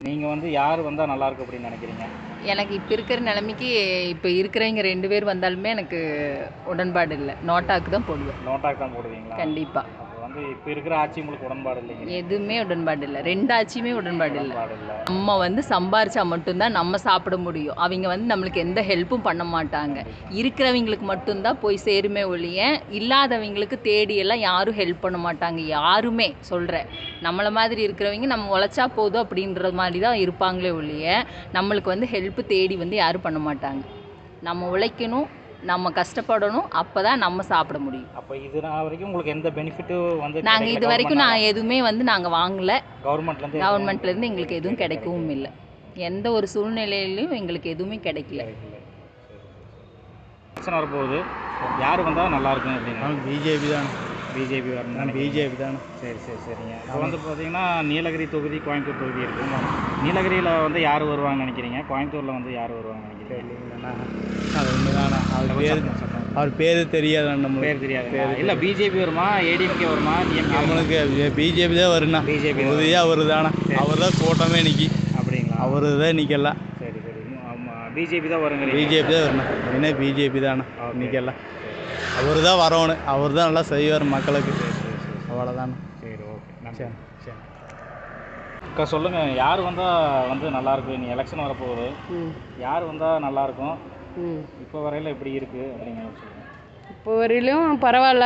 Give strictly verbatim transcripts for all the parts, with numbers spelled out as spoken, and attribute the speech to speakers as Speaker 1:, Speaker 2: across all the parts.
Speaker 1: நீங்க வந்து யார் வந்தா நல்லா இருக்கும் அப்படின்னு நினைக்கிறீங்க?
Speaker 2: எனக்கு இப்போ இருக்கிற நிலைமைக்கு இப்போ இருக்கிறவங்க ரெண்டு பேர் வந்தாலுமே எனக்கு உடன்பாடு இல்லை. நோட்டாக்கு தான் போடுவேன்.
Speaker 1: நோட்டாக்கு தான் போடுவீங்களா?
Speaker 2: கண்டிப்பா.
Speaker 1: அப்போ வந்து இப்போ இருக்கிற ஆட்சி உங்களுக்கு உடன்பாடு இல்லைங்க?
Speaker 2: எதுவுமே உடன்பாடு இல்லை. ரெண்டு ஆட்சியுமே உடன்பாடு இல்லை.
Speaker 1: உடன்பாடு இல்லை.
Speaker 2: நம்ம வந்து சம்பாரிச்சா மட்டும்தான் நம்ம சாப்பிட முடியும். அவங்க வந்து நம்மளுக்கு எந்த ஹெல்ப்பும் பண்ண மாட்டாங்க. இருக்கிறவங்களுக்கு மட்டும்தான் போய் சேருமே ஒழிய இல்லாதவங்களுக்கு தேடி எல்லாம் யாரும் ஹெல்ப் பண்ண மாட்டாங்க. யாருமே சொல்கிறேன். நம்மளை மாதிரி இருக்கிறவங்க நம்ம உழைச்சா போதும் அப்படின்ற மாதிரி தான் இருப்பாங்களே ஒழிய நம்மளுக்கு வந்து ஹெல்ப்பு தேடி வந்து யாரும் பண்ண மாட்டாங்க. நம்ம உழைக்கணும், நம்ம கஷ்டப்படணும், அப்போ தான் நம்ம சாப்பிட முடியும்.
Speaker 1: அப்போ இது நாள் வரைக்கும் உங்களுக்கு எந்த பெனிஃபிட்டும் வந்து
Speaker 2: நாங்கள் இது வரைக்கும் நான் எதுவுமே வந்து நாங்கள் வாங்கலை.
Speaker 1: கவர்மெண்ட்லேருந்து
Speaker 2: கவர்மெண்ட்லேருந்து எங்களுக்கு எதுவும் கிடைக்கவும் இல்லை. எந்த ஒரு சூழ்நிலையிலையும் எங்களுக்கு எதுவுமே கிடைக்கல.
Speaker 1: எலெக்ஷன் வரப்போகுது, யார் வந்தால் நல்லா இருக்கும் அப்படின்னு?
Speaker 3: பிஜேபி தான்.
Speaker 1: பிஜேபி வரணும்.
Speaker 3: பிஜேபி தானே.
Speaker 1: சரி சரி சரிங்க. இப்போ வந்து பார்த்தீங்கன்னா நீலகிரி தொகுதி, கோயம்புத்தூர் தொகுதி இருக்குங்க. நீலகிரியில் வந்து யார் வருவாங்கன்னு நினைக்கிறீங்க? கோயம்புத்தூரில் வந்து யார் வருவாங்கன்னு நினைக்கிறீங்க?
Speaker 3: இல்லைங்கண்ணா, அது ஒன்று தானே. அவர் பேர் அவர் பேர் தெரியாது. நம்ம
Speaker 1: பேர் தெரியாது. இல்லை பிஜேபி வருமா, ஏடிஎம்கே வருமா, டிஎம்கே?
Speaker 3: நம்மளுக்கு பிஜேபி தான் வருண்ணா.
Speaker 1: பிஜேபி
Speaker 3: உறுதியாக அவர் தானே. அவர் தான் கூட்டமே நிற்கி.
Speaker 1: அப்படிங்களா?
Speaker 3: அவர் தான் நிற்கலாம்.
Speaker 1: சரி சரி. ஆமாம், பிஜேபி தான் வருங்க.
Speaker 3: பிஜேபி தான் வரணும். என்ன பிஜேபி தானே நிற்கலாம். அவர் தான் வரணும். அவர் தான் நல்லா செய்வார் மக்களுக்கு. அவ்வளோதானே.
Speaker 1: சரி ஓகே.
Speaker 3: சரி சரி.
Speaker 1: அக்கா சொல்லுங்கள், யார் வந்தால் வந்து நல்லாயிருக்கும்? நீ எலெக்ஷன் வரப்போகுது, யார் வந்தால் நல்லாயிருக்கும்? இப்போ வரையில் எப்படி இருக்குது அப்படிங்கிறத சொல்லுங்கள்.
Speaker 4: இப்போ வரையிலும் பரவாயில்ல.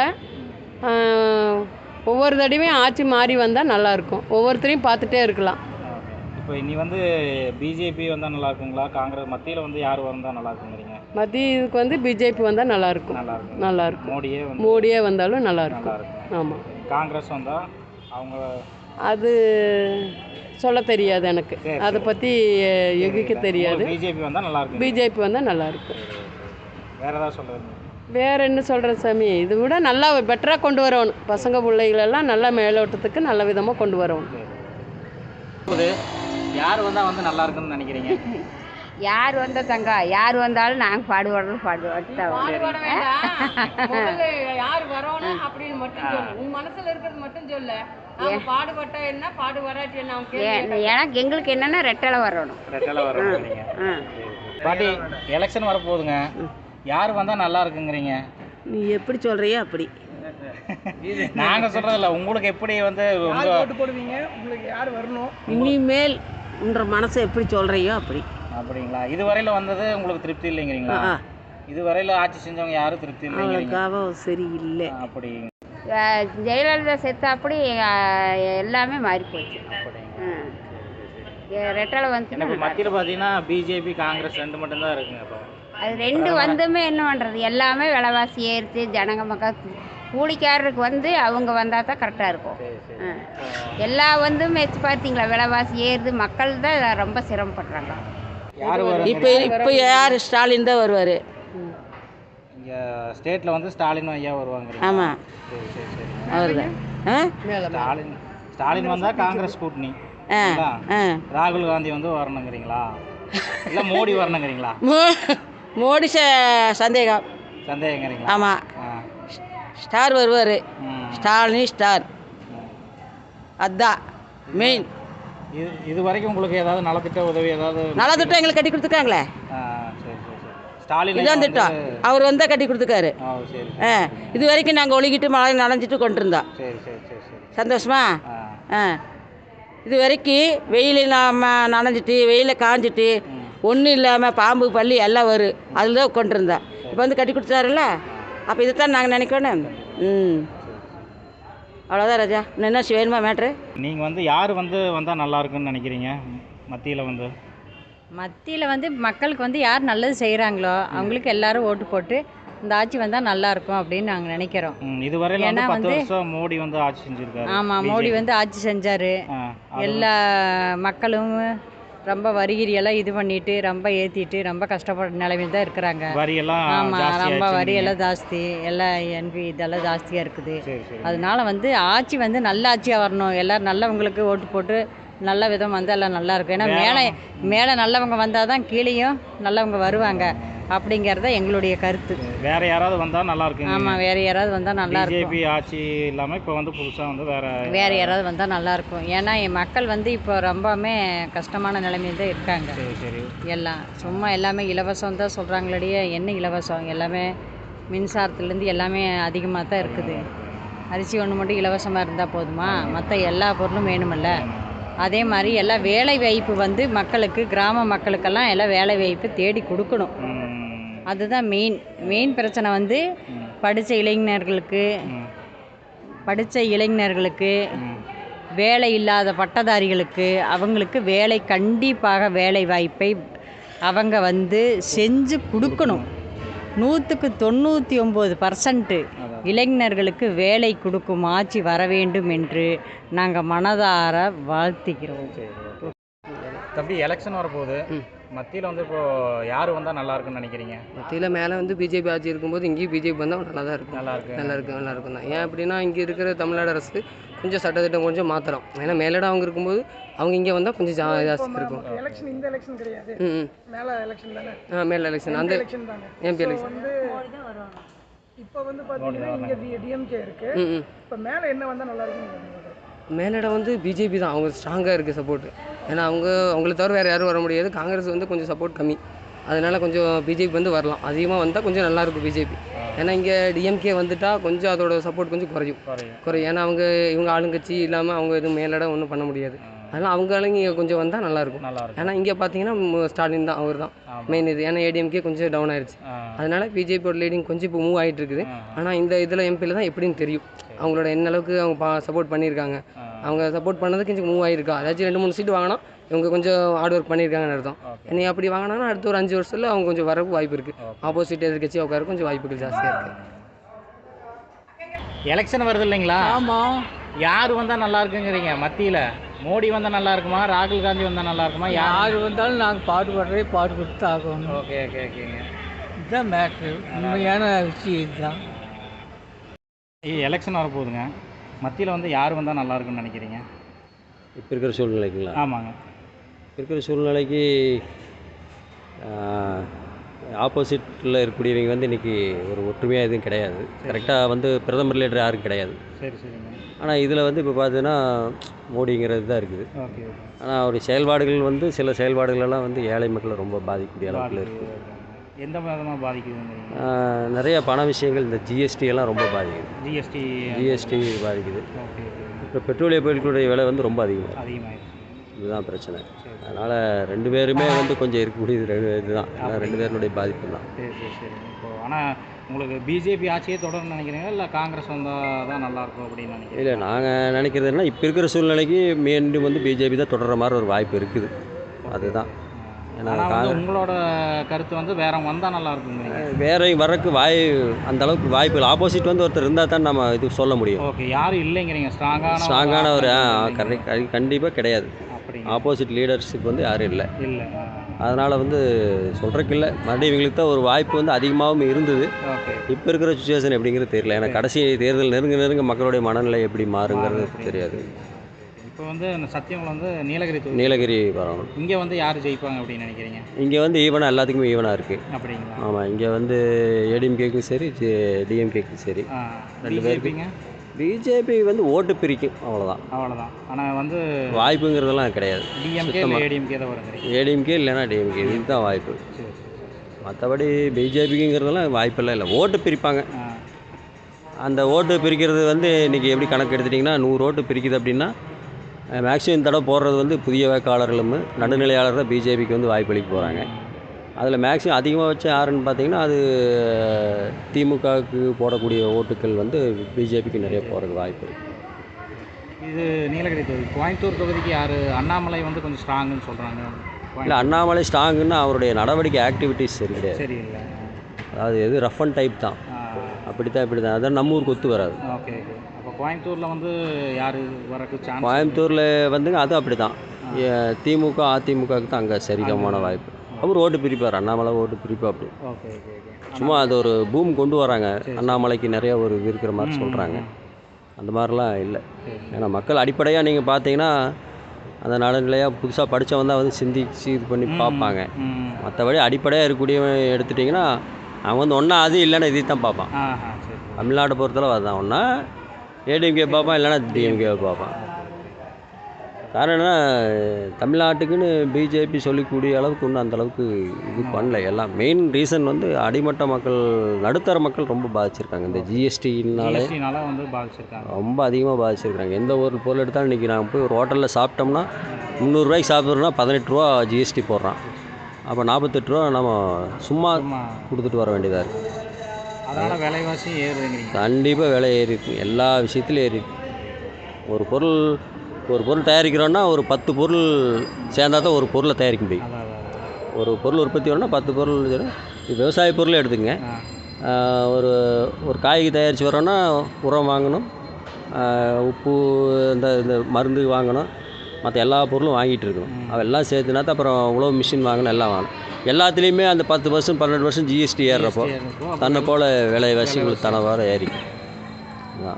Speaker 4: ஒவ்வொரு தடவையும் ஆட்சி மாறி வந்தால் நல்லாயிருக்கும். ஒவ்வொருத்தரையும் பார்த்துட்டே இருக்கலாம்.
Speaker 1: இப்போ நீ வந்து பிஜேபி வந்தால் நல்லா இருக்குங்களா, காங்கிரஸ் மத்தியில் வந்து யார் வந்தால் நல்லா இருக்குங்கிறீங்க?
Speaker 4: மத்தியதுக்கு வந்து பிஜேபி வந்தால் நல்லாயிருக்கும்.
Speaker 1: நல்லா இருக்கும்.
Speaker 4: நல்லாயிருக்கும்.
Speaker 1: மோடியே வந்து
Speaker 4: மோடியே வந்தாலும் நல்லாயிருக்கும்.
Speaker 1: நல்லா இருக்கும்.
Speaker 4: ஆமாம்.
Speaker 1: காங்கிரஸ் வந்தால் அவங்க
Speaker 4: அது சொல்ல தெரியாது எனக்கு. அதை பற்றி யூகிக்க தெரியாது.
Speaker 1: பிஜேபி வந்தால் நல்லா இருக்கும்.
Speaker 4: பிஜேபி வந்தால் நல்லாயிருக்கும்.
Speaker 1: வேறு ஏதாவது சொல்லுங்க.
Speaker 4: வேறு என்ன சொல்கிறேன் சாமி, இதை விட நல்லா பெட்டராக கொண்டு வரணும். பசங்க பிள்ளைகளெல்லாம் நல்லா மேலோட்டத்துக்கு நல்ல விதமாக கொண்டு வரணும்.
Speaker 1: யார் வந்தால் வந்து நல்லா இருக்குன்னு நினைக்கிறீங்க?
Speaker 5: யார் வந்தா தங்க, யார் வந்தாலும் நாங்கள் பாடுபடுறோம் பாடுபட்டு
Speaker 4: யார் வரணும் அப்படின்னு மட்டும் சொல்லு. உன் மனசுல இருக்கிறது மட்டும் சொல்லு. பாடுபட்டா என்ன, பாடு வராட்டி என்ன?
Speaker 5: எனக்கு எங்களுக்கு என்னன்னா ரெட்டலை வரணும்.
Speaker 1: ரெட்டலை வரணும். பாட்டி, எலெக்ஷன் வரப்போகுதுங்க, யார் வந்தால் நல்லா இருக்குங்கிறீங்க?
Speaker 6: நீ எப்படி சொல்கிறியோ அப்படி.
Speaker 1: நாங்கள் சொல்கிறதில்ல, உங்களுக்கு எப்படி வந்து
Speaker 6: ஓட்டு போடுவீங்க, உங்களுக்கு யார் வரணும் இனிமேல் உன்ற மனசை எப்படி சொல்கிறியோ அப்படி.
Speaker 1: அப்படிங்களா? இதுவரையில் வந்தது உங்களுக்கு திருப்தி இல்லைங்கிறீங்களா? இதுவரையில் ஆட்சி செஞ்சவங்க யாரும் திருப்தி இல்லைங்கிறீங்க?
Speaker 6: சரி இல்லை.
Speaker 1: அப்படி
Speaker 5: ஜெயலலிதா செத்த அப்படி எல்லாமே மாறி போச்சு. ரெட்டலை வந்து
Speaker 1: மத்தியில் பார்த்தீங்கன்னா பிஜேபி, காங்கிரஸ் ரெண்டு மட்டும்தான் இருக்குங்க. இப்போ
Speaker 5: அது ரெண்டு வந்துமே என்ன பண்ணுறது, எல்லாமே விலைவாசி ஏறிச்சு. ஜனங்க மக்கள் கூலிக்காரருக்கு வந்து அவங்க வந்தால் தான் கரெக்டாக இருக்கும். எல்லா வந்து மெச்சு பார்த்தீங்களா, விலைவாசி ஏறுது. மக்கள் தான் ரொம்ப சிரமப்படுறாங்க.
Speaker 6: இப்போ இப்போ யார் ஸ்டாலின் தான் வருவார்.
Speaker 1: இங்கே ஸ்டேட்டில் வந்து ஸ்டாலின் ஐயா வருவாங்க.
Speaker 6: ஆமாம்,
Speaker 1: சரி சரி சரி.
Speaker 6: அவர் தான்
Speaker 1: ஸ்டாலின். ஸ்டாலின் வந்தால் காங்கிரஸ் கூட்டணி. ராகுல் காந்தி வந்து வரணுங்கிறீங்களா, இல்லை மோடி வரணுங்கிறீங்களா?
Speaker 6: மோடி சந்தேகம்
Speaker 1: சந்தேகங்கிறீங்களா?
Speaker 6: ஆமாம், ஸ்டார் வருவார். ஸ்டாலின் ஸ்டார், அதுதான் மெயின்.
Speaker 1: இது இது வரைக்கும் உங்களுக்கு ஏதாவது நலத்திட்ட உதவி ஏதாவது?
Speaker 6: நலத்திட்டம் எங்களுக்கு கட்டி கொடுத்துருக்காங்களே.
Speaker 1: சரி சரி சரி. ஸ்டாலின்
Speaker 6: இதான் திட்டம் அவர் வந்தால் கட்டி கொடுத்துருக்காரு.
Speaker 1: சரி.
Speaker 6: ஆ, இது வரைக்கும் நாங்கள் ஒழுகிட்டு மழை நனைஞ்சிட்டு கொண்டு இருந்தோம்.
Speaker 1: சரி சரி சரி சரி.
Speaker 6: சந்தோஷமா? ஆ, இது வரைக்கும் வெயிலில் நாம் நனைஞ்சிட்டு வெயிலில் காஞ்சிட்டு ஒன்றும் இல்லாமல் பாம்பு பள்ளி எல்லாம் வரும், அதில் தான் கொண்டு இருந்தோம். இப்போ வந்து கட்டி கொடுத்தாருல்ல, அப்போ இதைத்தான் நாங்கள் நினைக்கணும். ம், அவ்வளோதான் ராஜா. இன்னும் என்ன வேணுமா மேட்ரு?
Speaker 1: நீங்கள் வந்து யார் வந்து வந்தால் நல்லா இருக்குன்னு நினைக்கிறீங்க மத்தியில் வந்து?
Speaker 2: மத்தியில் வந்து மக்களுக்கு வந்து யார் நல்லது செய்கிறாங்களோ அவங்களுக்கு எல்லாரும் ஓட்டு போட்டு இந்த ஆட்சி வந்தால் நல்லாயிருக்கும் அப்படின்னு நாங்கள் நினைக்கிறோம்.
Speaker 1: இதுவரையில் வந்து பத்து வருஷம் மோடி வந்து ஆட்சி செஞ்சுருக்காரு.
Speaker 2: ஆமாம், மோடி வந்து ஆட்சி செஞ்சார். எல்லா மக்களும் ரொம்ப வரிகிரியெல்லாம் இது பண்ணிட்டு ரொம்ப ஏற்றிட்டு ரொம்ப கஷ்டப்படுற நிலைமையில் தான் இருக்கிறாங்க. ஆமாம், ரொம்ப வரியெல்லாம் ஜாஸ்தி, எல்லாம் என்பி இதெல்லாம் ஜாஸ்தியாக இருக்குது. அதனால வந்து ஆட்சி வந்து நல்ல ஆட்சியாக வரணும். எல்லோரும் நல்லவங்களுக்கு ஓட்டு போட்டு நல்ல விதம் வந்து எல்லாம் நல்லாயிருக்கும். ஏன்னா மேலே மேலே நல்லவங்க வந்தால் தான் கீழேயும் நல்லவங்க வருவாங்க.
Speaker 7: அப்படிங்கிறத எங்களுடைய கருத்து.
Speaker 1: வேற யாராவது வந்தால் நல்லா இருக்குங்க.
Speaker 7: ஆமாம், வேறு யாராவது வந்தால் நல்லாயிருக்கும்.
Speaker 1: பிஜேபி ஆட்சி இல்லாமல் இப்போ வந்து புதுசாக வந்து வேற
Speaker 7: வேறு யாராவது வந்தால் நல்லாயிருக்கும். ஏன்னா என் மக்கள் வந்து இப்போ ரொம்பவுமே கஷ்டமான நிலைமையில் தான் இருக்காங்க.
Speaker 1: சரி சரி
Speaker 7: எல்லாம் சும்மா எல்லாமே இலவசம் தான் சொல்கிறாங்களடியே, என்ன இலவசம்? எல்லாமே மின்சாரத்துலேருந்து எல்லாமே அதிகமாக தான் இருக்குது. அரிசி ஒன்று மட்டும் இலவசமாக இருந்தால் போதுமா? மற்ற எல்லா பொருளும் வேணுமில்ல. அதே மாதிரி எல்லாம் வேலை வாய்ப்பு வந்து மக்களுக்கு, கிராம மக்களுக்கெல்லாம் எல்லாம் வேலை வாய்ப்பு தேடி கொடுக்கணும். அதுதான் மெயின் மெயின் பிரச்சனை. வந்து படித்த இளைஞர்களுக்கு படித்த இளைஞர்களுக்கு வேலை இல்லாத பட்டதாரிகளுக்கு அவங்களுக்கு வேலை, கண்டிப்பாக வேலை வாய்ப்பை அவங்க வந்து செஞ்சு கொடுக்கணும். நூற்றுக்கு தொண்ணூற்றி ஒம்பது பர்சன்ட்டு இளைஞர்களுக்கு வேலை கொடுக்கும் ஆட்சி வர வேண்டும் என்று நாங்கள் மனதார வாழ்த்துகிறோம்.
Speaker 1: தம்பி, எலெக்ஷன் வரப்போகுது. மத்தியில் வந்து இப்போ யார் வந்தால் நல்லா இருக்குன்னு நினைக்கிறீங்க?
Speaker 8: மத்தியில் மேலே வந்து பிஜேபி ஆட்சி இருக்கும்போது இங்கேயும் பிஜேபி வந்தால் நல்லா தான் இருக்கும்.
Speaker 1: நல்லா இருக்கு
Speaker 8: நல்லா இருக்கு நல்லா இருக்கும் தான். ஏன் அப்படின்னா இங்கே இருக்கிற தமிழ்நாடு அரசு கொஞ்சம் சட்டத்திட்டம் கொஞ்சம் மாற்றலாம். ஏன்னா மேலிடம் அவங்க இருக்கும்போது அவங்க இங்கே வந்தால் கொஞ்சம் ஜா ஜாஸ்தி இருக்கும்.
Speaker 9: எலெக்ஷன் இந்த எலெக்ஷன் கிடையாது,
Speaker 8: ம்
Speaker 9: மேலே எலெக்ஷன் தானே.
Speaker 8: ஆ மேலே எலெக்ஷன் அந்த
Speaker 9: எலெக்ஷன் தானே.
Speaker 8: எம்பி எலெக்ஷன்
Speaker 9: வந்து இப்போ வந்து பார்த்தீங்கன்னா இங்கே டிஎம்கே இருக்கு.
Speaker 8: ம் ம்
Speaker 9: இப்போ மேலே என்ன வந்தால் நல்லா இருக்கும்?
Speaker 8: மேலிடம் வந்து பிஜேபி தான், அவங்க ஸ்ட்ராங்காக இருக்குது சப்போர்ட். ஏன்னா அவங்க அவங்கள தவிர வேறு யாரும் வர முடியாது. காங்கிரஸ் வந்து கொஞ்சம் சப்போர்ட் கம்மி, அதனால் கொஞ்சம் பிஜேபி வந்து வரலாம். அதிகமாக வந்தால் கொஞ்சம் நல்லாயிருக்கும் பிஜேபி. ஏன்னா இங்கே டிஎம்கே வந்துட்டால் கொஞ்சம் அதோட சப்போர்ட் கொஞ்சம் குறையும் குறையும் ஏன்னா அவங்க இவங்க ஆளுங்கட்சி இல்லாமல் அவங்க எதுவும் மேலிடம் ஒன்றும் பண்ண முடியாது. அதனால் அவங்க ஆளுங்க இங்கே கொஞ்சம் வந்தால் நல்லாயிருக்கும். ஏன்னா இங்கே பார்த்தீங்கன்னா ஸ்டாலின் தான், அவர் தான் மெயின் இது. ஏன்னா ஏடிஎம்கே கொஞ்சம் டவுன் ஆயிடுச்சு. அதனால் பிஜேபியோட லீடிங் கொஞ்சம் இப்போ மூவ் ஆகிட்டு இருக்குது. ஆனால் இந்த இதில் எம்பியில் தான் எப்படின்னு தெரியும் அவங்களோட என்ன அளவுக்கு அவங்க பா சப்போர்ட் பண்ணியிருக்காங்க. அவங்க சப்போர்ட் பண்ணதுக்கு கொஞ்சம் மூவ் ஆகிருக்கா. அதாச்சும் ரெண்டு மூணு சீட்டு வாங்கினா இவங்க கொஞ்சம் ஹார்ட் ஒர்க் பண்ணியிருக்காங்கன்னு அர்த்தம். நீ அப்படி வாங்கினாங்கன்னா அடுத்த ஒரு அஞ்சு வருஷத்தில் அவங்க கொஞ்சம் வரக்கு வாய்ப்பு இருக்குது. ஆப்போசிட் எதிர்கட்சி உட்கார கொஞ்சம் வாய்ப்புகள் ஜாஸ்தியாக இருக்குது.
Speaker 1: எலெக்ஷன் வருது இல்லைங்களா?
Speaker 10: ஆமாம்.
Speaker 1: யார் வந்தால் நல்லா இருக்குங்கிறீங்க மத்தியில்? மோடி வந்தால் நல்லா இருக்குமா, ராகுல் காந்தி வந்தால் நல்லா இருக்குமா?
Speaker 10: யார் வந்தாலும் நாங்கள் பாடுபடுறே பாடுபட்டு தான் ஆகணும்.
Speaker 1: ஓகே ஓகே ஓகேங்க.
Speaker 10: இதுதான் மேட்ரு, உண்மையான விஷயம் இதுதான்.
Speaker 1: எலெக்ஷன் வரப்போகுதுங்க. மத்தியில் வந்து யார் வந்தால் நல்லா இருக்குன்னு நினைக்கிறீங்க?
Speaker 11: இப்போ இருக்கிற சூழ்நிலைக்குங்களா?
Speaker 1: ஆமாங்க.
Speaker 11: இருக்கிற சூழ்நிலைக்கு ஆப்போசிட்டில் இருக்கக்கூடியவங்க வந்து இன்றைக்கி ஒரு ஒற்றுமையாக எதுவும் கிடையாது. கரெக்டாக வந்து பிரதமர் லீடர் யாரும் கிடையாது.
Speaker 1: சரி சரிங்க.
Speaker 11: ஆனால் இதில் வந்து இப்போ பார்த்தீங்கன்னா மோடிங்கிறது தான் இருக்குது.
Speaker 1: ஓகே.
Speaker 11: ஆனால் அவருடைய செயல்பாடுகள் வந்து சில செயல்பாடுகளெல்லாம் வந்து ஏழை மக்களை ரொம்ப பாதிக்கக்கூடிய அளவுக்கு இருக்குது.
Speaker 1: எந்த விதமாக பாதிக்குதுங்க?
Speaker 11: நிறைய பண விஷயங்கள், இந்த ஜிஎஸ்டி எல்லாம் ரொம்ப பாதிக்குது.
Speaker 1: ஜிஎஸ்டி
Speaker 11: ஜிஎஸ்டி பாதிக்குது.
Speaker 1: ஓகே.
Speaker 11: இப்போ பெட்ரோலிய பொருட்களுடைய விலை வந்து ரொம்ப அதிகமாக
Speaker 1: அதிகமாகிடுச்சு.
Speaker 11: இதுதான் பிரச்சனை. அதனால் ரெண்டு பேருமே வந்து கொஞ்சம் இருக்கக்கூடியது ரெண்டு இதுதான். ரெண்டு பேருடைய பாதிப்பு தான்.
Speaker 1: சரி சரி சரி. இப்போ ஆனால் உங்களுக்கு பிஜேபி ஆட்சியே தொடர்ந்து நினைக்கிறீங்களா, இல்லை காங்கிரஸ் வந்தால் தான் நல்லாயிருக்கும் அப்படின்னு நினைக்கிறீங்க?
Speaker 11: இல்லை, நாங்கள் நினைக்கிறது என்ன, இப்போ இருக்கிற சூழ்நிலைக்கு மீண்டும் வந்து பிஜேபி தான் தொடர்ற மாதிரி ஒரு வாய்ப்பு இருக்குது. அதுதான். ஏன்னா
Speaker 1: உங்களோட கருத்து வந்து வேற வந்தால் நல்லா இருக்குங்க?
Speaker 11: வேற வரக்கு வாய் அந்த அளவுக்கு வாய்ப்பு இல்லை. ஆப்போசிட் வந்து ஒருத்தர் இருந்தால் தான் நம்ம இது சொல்ல முடியும்.
Speaker 1: ஓகே. யாரும் இல்லைங்கிறீங்க? ஸ்ட்ராங்கான
Speaker 11: ஸ்ட்ராங்கான ஒரு கரெக்ட் கண்டிப்பாக கிடையாது. ஆப்போசிட் லீடர்ஸுக்கு வந்து யாரும் இல்லை
Speaker 1: இல்லை
Speaker 11: அதனால் வந்து சொல்கிறக்கு இல்லை. மறுபடியும் இவங்களுக்கு தான் ஒரு வாய்ப்பு வந்து அதிகமாகவும் இருந்தது. இப்போ இருக்கிற சுச்சுவேஷன் எப்படிங்கிறது தெரியல. ஏன்னா கடைசி தேர்தல் நெருங்க நெருங்க மக்களுடைய மனநிலை எப்படி மாறுங்கிறது தெரியாது.
Speaker 1: இப்போ வந்து சத்தியமங்கலம் வந்து நீலகிரி
Speaker 11: நீலகிரி வரணும்.
Speaker 1: இங்கே வந்து யார் ஜெயிப்பாங்க அப்படின்னு நினைக்கிறீங்க?
Speaker 11: இங்கே வந்து ஈவனாக எல்லாத்துக்குமே ஈவனாக இருக்குது.
Speaker 1: அப்படிங்களா?
Speaker 11: ஆமாம். இங்கே வந்து ஏடிஎம்கேக்கும் சரி டிஎம்கேக்கும் சரி ரெண்டு பேருக்குங்க. பிஜேபி வந்து ஓட்டு பிரிக்கும், அவ்வளோதான்
Speaker 1: அவ்வளோதான். ஆனால் வந்து
Speaker 11: வாய்ப்புங்கிறதெல்லாம் கிடையாது.
Speaker 1: டிஎம்கே ஏடிஎம்கே தான் வருது.
Speaker 11: ஏடிஎம்கே இல்லைன்னா டிஎம்கே, இதுதான் வாய்ப்பு. மற்றபடி பிஜேபிங்கிறதெல்லாம் வாய்ப்பெல்லாம் இல்லை. ஓட்டு பிரிப்பாங்க. அந்த ஓட்டு பிரிக்கிறது வந்து இன்றைக்கி எப்படி கணக்கு எடுத்துட்டிங்கன்னா, நூறு ஓட்டு பிரிக்குது அப்படின்னா மேக்ஸிமம் தடவை போடுறது வந்து புதிய வேட்பாளர்களும் நடுநிலையாளர் தான் பிஜேபிக்கு வந்து வாய்ப்பளிக்க போகிறாங்க. அதில் மேக்ஸிமம் அதிகமாக வச்சு யாருன்னு பார்த்தீங்கன்னா அது திமுகவுக்கு போடக்கூடிய ஓட்டுக்கள் வந்து பிஜேபிக்கு நிறைய போகிறதுக்கு வாய்ப்பு இருக்குது.
Speaker 1: இது நீலகிரி தொகுதி. கோயம்புத்தூர் தொகுதிக்கு யார்? அண்ணாமலை வந்து கொஞ்சம் ஸ்ட்ராங்குன்னு சொல்கிறாங்க.
Speaker 11: இல்லை, அண்ணாமலை ஸ்ட்ராங்குன்னா அவருடைய நடவடிக்கை ஆக்டிவிட்டீஸ் சரி கிடையாது.
Speaker 1: சரி இல்லை.
Speaker 11: அதாவது எது ரஃப் அண்ட் டைப் தான். அப்படி தான் இப்படி தான். அதான் நம்ம ஊருக்கு ஒத்து வராது.
Speaker 1: ஓகே. அப்போ கோயம்புத்தூரில் வந்து யார் வரக்கு சான்ஸ்?
Speaker 11: கோயம்புத்தூரில் வந்துங்க அது அப்படி தான். திமுக அதிமுகவுக்கு தான் அங்கே சரிகமான வாய்ப்பு. அவர் ஓட்டு பிரிப்பார். அண்ணாமலை ஓட்டு பிரிப்பா அப்படி.
Speaker 1: Okay okay okay.
Speaker 11: சும்மா அது ஒரு பூம் கொண்டு வராங்க. அண்ணாமலைக்கு நிறைய ஒரு இது இருக்கிற மாதிரி சொல்கிறாங்க. அந்த மாதிரிலாம் இல்லை. ஏன்னா மக்கள் அடிப்படையாக நீங்கள் பார்த்தீங்கன்னா அந்த நடுநிலையாக புதுசாக படித்தவன் தான் வந்து சிந்திச்சு இது பண்ணி பார்ப்பாங்க. மற்றபடி அடிப்படையாக இருக்கக்கூடியவன் எடுத்துட்டிங்கன்னா அவன் வந்து ஒன்றா அது இல்லைன்னா இதை தான் பார்ப்பான். தமிழ்நாட்டை பொறுத்தளவு அதுதான், ஒன்றா ஏடிஎம்கே பார்ப்பான் இல்லைன்னா டிஎம்கே பார்ப்பான். காரணம் என்ன, தமிழ்நாட்டுக்குன்னு பிஜேபி சொல்லக்கூடிய அளவுக்கு ஒன்றும் அந்தளவுக்கு இது பண்ணல. எல்லாம் மெயின் ரீசன் வந்து அடிமட்ட மக்கள், நடுத்தர மக்கள் ரொம்ப பாதிச்சிருக்காங்க. இந்த ஜிஎஸ்டினாலே
Speaker 1: வந்து பாதிச்சிருக்காங்க,
Speaker 11: ரொம்ப அதிகமாக பாதிச்சிருக்காங்க. எந்த ஒரு பொருள் எடுத்தாலும் இன்றைக்கி நாங்கள் போய் ஒரு ஹோட்டலில் சாப்பிட்டோம்னா முந்நூறுரூவாய்க்கு சாப்பிட்றோன்னா பதினெட்டு ரூபா ஜிஎஸ்டி போடுறான். அப்போ நாற்பத்தெட்டு ரூபா நம்ம சும்மா கொடுத்துட்டு வர வேண்டியதாக இருக்குது.
Speaker 1: அதனால் விலைவாசி ஏறுதுங்கிறீங்க?
Speaker 11: கண்டிப்பாக விலை ஏறி இருக்கு, எல்லா விஷயத்துலையும் ஏறி இருக்கு. ஒரு பொருள் ஒரு பொருள் தயாரிக்கிறோன்னா ஒரு பத்து பொருள் சேர்ந்தா தான் ஒரு பொருளை தயாரிக்க முடியும். ஒரு பொருள் உற்பத்தி வரணும்னா பத்து பொருள். விவசாய பொருளை எடுத்துங்க, ஒரு ஒரு காய்கறி தயாரித்து வரோன்னா உரம் வாங்கணும், உப்பு, இந்த இந்த மருந்து வாங்கணும், மற்ற எல்லா பொருளும் வாங்கிட்டு இருக்கணும். அதெல்லாம் சேர்த்துனா தான் அப்புறம் உழவு மிஷின் வாங்கணும், எல்லாம் வாங்கணும். எல்லாத்துலேயுமே அந்த பத்து பர்சன்ட் பன்னெண்டு பர்சன்ட் ஜிஎஸ்டி ஏறுறப்போ தன்னை போல் விலைவாசிகள் தனவார ஏறிக்கும். அதான்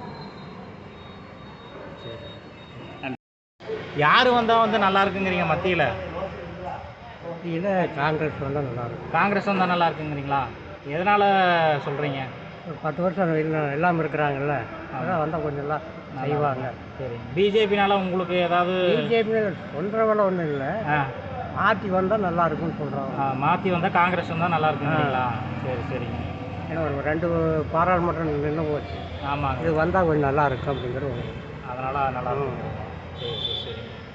Speaker 1: யார் வந்தால் வந்து நல்லா இருக்குங்கிறீங்க மத்தியில்?
Speaker 10: இல்லை, காங்கிரஸ் வந்தால் நல்லாயிருக்கும்.
Speaker 1: காங்கிரஸ் வந்தால் நல்லா இருக்குங்கிறீங்களா? எதனால் சொல்கிறீங்க?
Speaker 10: ஒரு பத்து வருஷம் எல்லாம் எல்லாம் இருக்கிறாங்கல்ல, அதான் வந்தால் கொஞ்சம் எல்லாம் செய்வாங்க.
Speaker 1: சரி, பிஜேபினால உங்களுக்கு ஏதாவது?
Speaker 10: பிஜேபி சொல்கிறவள ஒன்றும் இல்லை, மாற்றி வந்தால் நல்லா இருக்கும்னு சொல்கிறாங்க.
Speaker 1: மாற்றி வந்தால் காங்கிரஸ் வந்தால் நல்லா இருக்குங்களா? சரி சரிங்க.
Speaker 10: ஏன்னா ஒரு ரெண்டு பாராளுமன்றம் நின்று போச்சு.
Speaker 1: ஆமாங்க,
Speaker 10: இது வந்தால் கொஞ்சம் நல்லா இருக்கும் அப்படிங்கிறது.
Speaker 1: அதனால் நல்லா இருக்கும். சரி சரி சரிங்க.